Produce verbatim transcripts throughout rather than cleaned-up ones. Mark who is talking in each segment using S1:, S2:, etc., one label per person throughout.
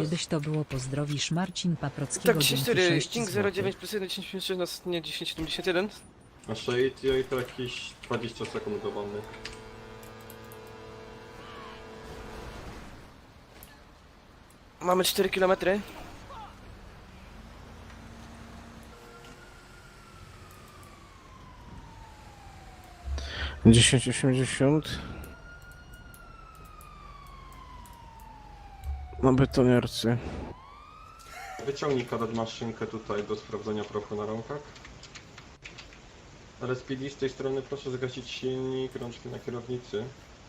S1: kiedyś to było, pozdrowisz Marcin Paprockiego.
S2: Tak, dziesięć
S1: dzięki
S2: cztery,
S1: sześć
S2: King zero dziewięć
S1: złotych.
S2: plus jeden, dziesięć pięćdziesiąt sześć, następnie dziesięć siedemdziesiąt jeden.
S3: A Shade i to jakieś dwadzieścia sekund do wody.
S2: Mamy cztery kilometry.
S4: dziesięć osiemdziesiąt. Na betoniarce.
S3: Wyciągnij kadet maszynkę tutaj do sprawdzenia prochu na rąkach. R S P D z tej strony proszę zgasić silnik, rączki na kierownicy.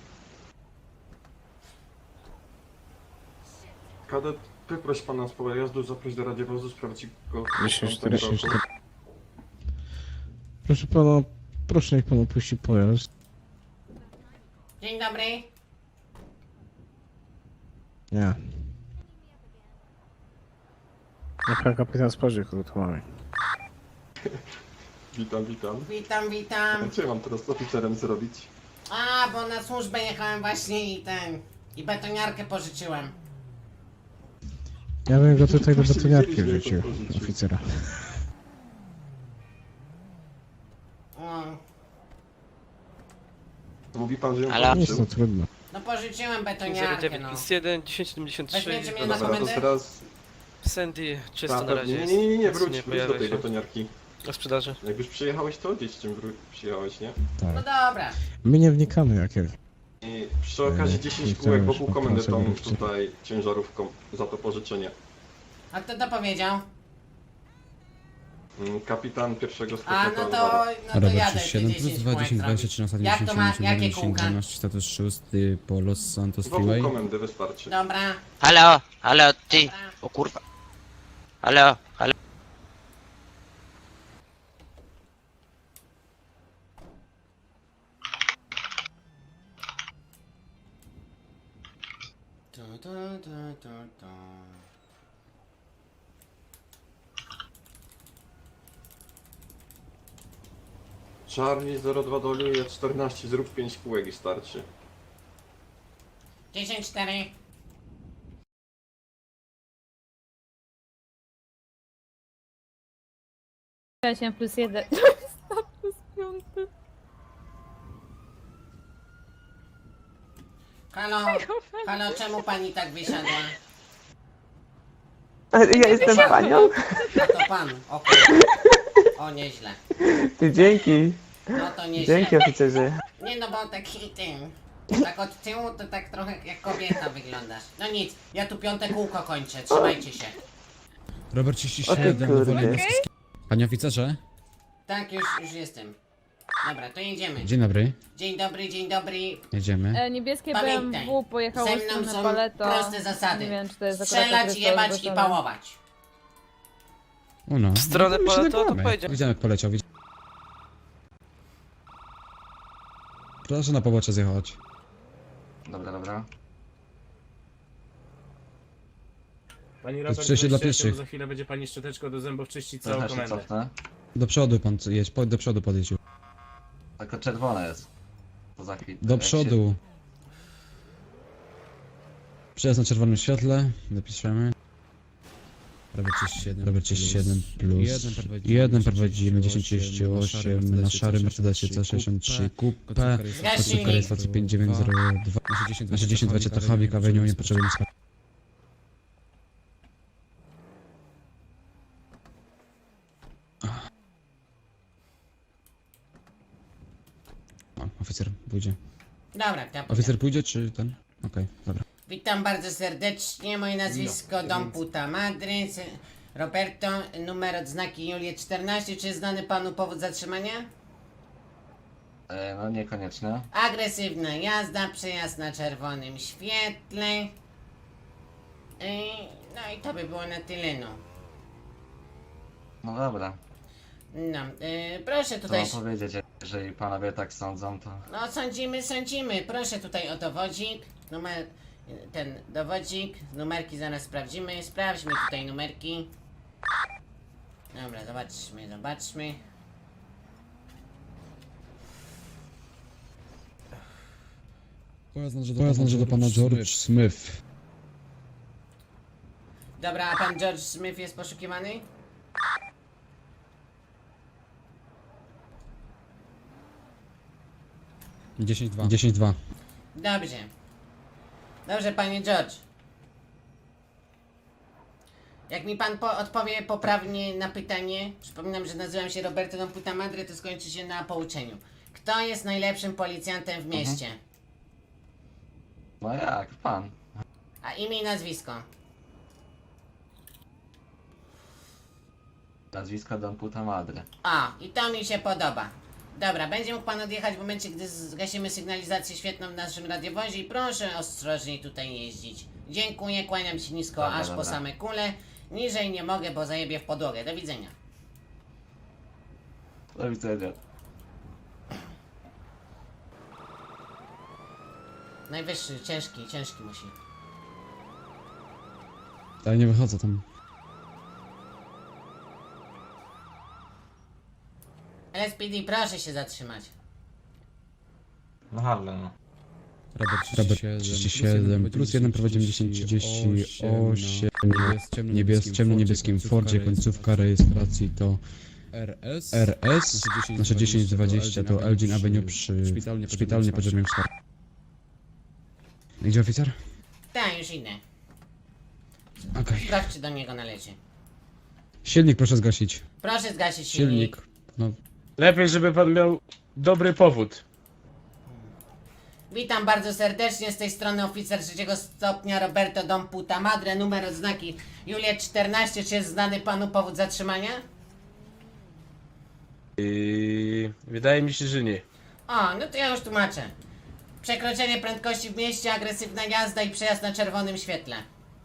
S3: Kadet, wyproś pana z pola jazdu, zaproś do radiowozu, sprawdzi go w
S4: dziesięć
S3: tamtym
S4: czterdzieści
S3: roku.
S4: cztery. Proszę pana, proszę niech pan opuści pojazd.
S5: Dzień dobry.
S4: Nie. Niech pan kapitan spojrzy, kogo tu mamy.
S3: Witam, witam.
S5: Witam, witam.
S3: A co ja mam teraz z oficerem zrobić?
S5: A, bo na służbę jechałem właśnie i ten... I betoniarkę pożyczyłem.
S4: Ja bym go tutaj do
S3: Właśnie
S4: betoniarki
S3: widzieliśmy,
S4: wrzucił,
S3: jak on porzucił.
S4: oficera.
S5: O,
S3: Mówi pan, że ją
S6: Ale-
S4: Nic, no
S3: pożyczył?
S4: trudno.
S5: no pożyczyłem
S2: King zero
S5: betoniarkę,
S2: dziewięć
S5: no.
S2: plus jeden, dziesięć siedemdziesiąt trzy.
S5: Weźmiecie mnie
S3: No
S5: na
S3: dobra, to
S5: komendę?
S3: teraz...
S2: Sandy czysto
S3: Ta,
S2: na razie
S3: nie,
S2: jest.
S3: nie, nie, nie, nie,
S2: Nic
S3: wróć, wróć
S2: pojawia
S3: do tej
S2: się.
S3: betoniarki.
S2: Na sprzedaży.
S3: Jak już przyjechałeś, to gdzieś czym wró- przyjechałeś, nie?
S5: No
S4: Tak.
S5: dobra.
S4: My nie wnikamy jak jak.
S3: I przy okazji
S4: Nie,
S3: dziesięć
S4: nie
S3: kółek
S4: chcemy
S3: wokół
S4: już
S3: komendy tą
S4: popracować.
S3: tutaj ciężarówką za to pożyczenie.
S5: A kto to powiedział?
S3: Mm, Kapitan pierwszego
S5: A,
S3: stopnia
S5: no to, no to
S7: Robert
S5: jadę te
S7: trzydzieści siedem plus
S5: dziesięć
S7: dwa,
S5: kółek
S7: dziesięć, dwadzieścia,
S5: zrobić.
S7: trzynaście,
S5: Jak to ma,
S7: dziesięć,
S5: jakie
S7: dziesięć,
S5: kółka?
S7: dwanaście, status szósty po Los Santos
S3: Wokół
S7: Freeway.
S3: komendy wystarczy.
S5: Dobra.
S6: Halo, halo, ty!
S5: Dobra.
S6: O kurwa. Halo, halo.
S5: Tu, tu, tu, tu, tu.
S3: Charlie zero dwa doluje czternaście, zrób pięć kółek i starczy.
S5: dziesięć cztery.
S8: osiem plus jeden. Status piąty.
S5: Halo, halo, czemu pani tak wysiadła?
S9: Ja jestem panią?
S5: A to pan, o kurwa. O, nieźle.
S9: Ty, dzięki.
S5: No to nieźle.
S9: Dzięki, oficerze.
S5: Nie no, bo taki tym. Tak od tyłu to tak trochę jak kobieta wyglądasz. No nic, ja tu piąte kółko kończę, trzymajcie się.
S7: Robert trzydzieści siedem,
S9: kurde.
S7: Wolny Mostowski. Panie oficerze,
S5: Tak, już, już jestem. Dobra, to jedziemy.
S7: dzień dobry,
S5: Dzień dobry, dzień dobry.
S7: jedziemy.
S8: E, niebieskie
S5: Pamiętaj,
S8: B M W pojechało
S5: Ze
S8: w
S5: mną
S8: stronę
S5: są
S8: Paleto.
S5: proste zasady.
S8: Nie wiem, czy to jest akurat
S5: Strzelać,
S8: okres
S5: jebać i
S8: zgłoszony.
S5: pałować.
S7: O no.
S2: W stronę
S7: no, to my się
S2: Paleto, to
S7: nagramy.
S2: pojedziemy.
S7: Widziałem jak poleciał, widziałem. Proszę na pobocze zjechać.
S10: Dobra, dobra.
S11: Pani
S7: jest
S11: Robert,
S7: przejście dla
S11: weźcie się,
S7: pieszych.
S11: bo za chwilę będzie pani szczoteczką do zębów czyścić całą
S10: Trochę się
S11: komendę.
S10: cofnę.
S7: Do przodu pan jedź, po- do przodu podjedź.
S10: Tylko czerwone jest. To za chwilę.
S7: Do
S10: Jak się-
S7: przodu. Przejazd na czerwonym świetle, dopiszemy. Robert trzydzieści siedem, Robert trzydzieści siedem plus jeden prowadzimy dziesięć trzydzieści osiem na szarym Mercedesie C sześćdziesiąt trzy Coupe. Końcówka rejestracji pięć dziewięć zero dwa. Nasze dziesięć dwadzieścia to Havik Avenue, nie potrzebujemy skarbów. O, oficer pójdzie.
S5: Dobra, to ja
S7: Oficer pójdzie czy ten? Okej, dobra.
S5: Witam bardzo serdecznie, moje nazwisko Dom Puta Madry, se- Roberto, numer odznaki Juliet czternaście, czy jest znany panu powód zatrzymania?
S10: E, no niekoniecznie.
S5: Agresywna jazda, przejazd na czerwonym świetle. Yy, no i to by było na tyle, no.
S10: No dobra.
S5: No, yy, proszę
S10: Co
S5: tutaj,
S10: mam powiedzieć, jeżeli panowie tak sądzą, to...
S5: no sądzimy, sądzimy, proszę tutaj o dowodzik, numer, ten dowodzik, numerki zaraz sprawdzimy, sprawdźmy tutaj numerki. Dobra, zobaczmy, zobaczmy.
S7: Pojazd należy do pana George Smith.
S5: Dobra, a pan George Smith jest poszukiwany?
S7: dziesięć dwa. dziesięć dwa.
S5: Dobrze. Dobrze, panie George. Jak mi pan po odpowie poprawnie na pytanie, przypominam, że nazywam się Roberto Don Puta Madre, to skończy się na pouczeniu. Kto jest najlepszym policjantem w mieście?
S10: No jak, pan.
S5: A imię i nazwisko?
S10: Nazwisko Don Puta Madre.
S5: A, i to mi się podoba. Dobra, będzie mógł pan odjechać w momencie, gdy zgasimy sygnalizację świetną w naszym radiowozie i proszę ostrożniej tutaj jeździć. Dziękuję, kłaniam się nisko,
S10: Dobra,
S5: aż
S10: dobra.
S5: po same kule. Niżej nie mogę, bo zajebię w podłogę. Do widzenia.
S10: Do widzenia.
S5: Najwyższy, ciężki, ciężki musi.
S7: Ale nie wychodzę tam.
S5: L S P D, proszę się zatrzymać.
S10: No halo, no.
S7: Robert trzydzieści siedem, plus jeden prowadzimy dziesięć trzydzieści osiem, niebies, ciemno-niebieskim Fordzie, końcówka rejestracji to R S, nasze dziesięć dwadzieścia to Elgin Avenue przy szpitalnie podziemnym wschodzie. Gdzie oficer?
S5: Tak, już idę.
S7: Okej.
S5: Sprawdź, czy do niego należy.
S7: Silnik proszę zgasić.
S5: Proszę zgasić silnik.
S7: Silnik. No,
S11: Lepiej, żeby pan miał dobry powód.
S5: Witam bardzo serdecznie, z tej strony oficer trzeciego stopnia Roberto Don Puta Madre, numer odznaki Juliet czternaście. Czy jest znany panu powód zatrzymania?
S11: Yy, wydaje mi się, że nie.
S5: O, no to ja już tłumaczę. Przekroczenie prędkości w mieście, agresywna jazda i przejazd na czerwonym świetle.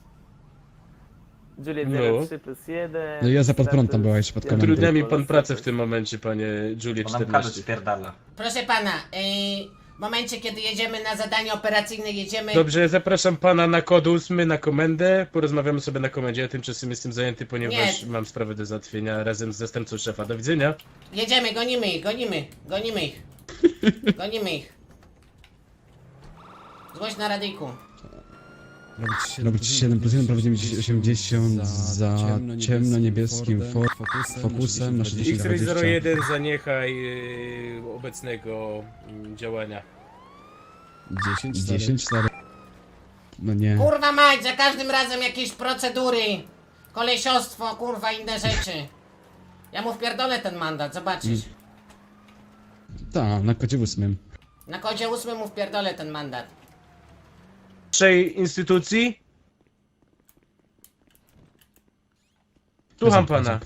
S9: Juliet
S11: No.
S9: zero trzy plus jeden.
S7: no jazda pod prąd tam była jeszcze pod komendą.
S11: Utrudnia mi pan pracę w tym momencie, panie Julie
S10: Bo nam kadr
S11: czternaście.
S10: spierdala.
S5: Proszę pana, yy, w momencie kiedy jedziemy na zadanie operacyjne, jedziemy...
S11: Dobrze, zapraszam pana na kod ósmy na komendę. Porozmawiamy sobie na komendzie. Ja tymczasem jestem zajęty, ponieważ
S5: Nie.
S11: mam sprawę do załatwienia razem z zastępcą szefa. Do widzenia.
S5: Jedziemy, gonimy ich, gonimy, gonimy ich. Gonimy ich. Zgłoś na radyjku.
S7: Robić siedem plus jeden prowadzimy osiemdziesiąt za ciemno-niebieskim Ford Focusem, nasze dziesięć
S11: X-Ray zero
S7: dwadzieścia.
S11: jeden zaniechaj yy, obecnego yy, działania.
S7: dziesięć stary. No nie.
S5: Kurwa mać, za każdym razem jakieś procedury. Kolesiostwo, kurwa, inne rzeczy. Ja mu wpierdolę ten mandat, zobaczysz.
S7: Tak, na kodzie ósmym.
S5: Na kodzie ósmym mu wpierdolę ten mandat.
S11: Naszej instytucji? Słucham pana.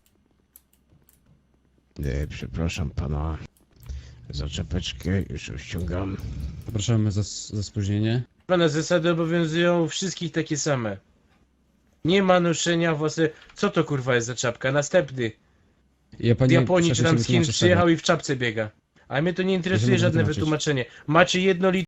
S4: Nie, przepraszam pana. Zaczepeczkę już ściągam.
S7: Zapraszamy za, za spóźnienie.
S11: Pana zasady obowiązują wszystkich takie same. Nie ma noszenia własne... Co to kurwa jest za czapka? Następny.
S7: Ja
S11: W
S7: pani
S11: Japonii czy tam z Chin
S7: wytłumaczę
S11: przyjechał i w czapce biega. A mnie to nie interesuje
S7: Ja się
S11: żadne
S7: wytłumaczyć.
S11: wytłumaczenie. Macie jedno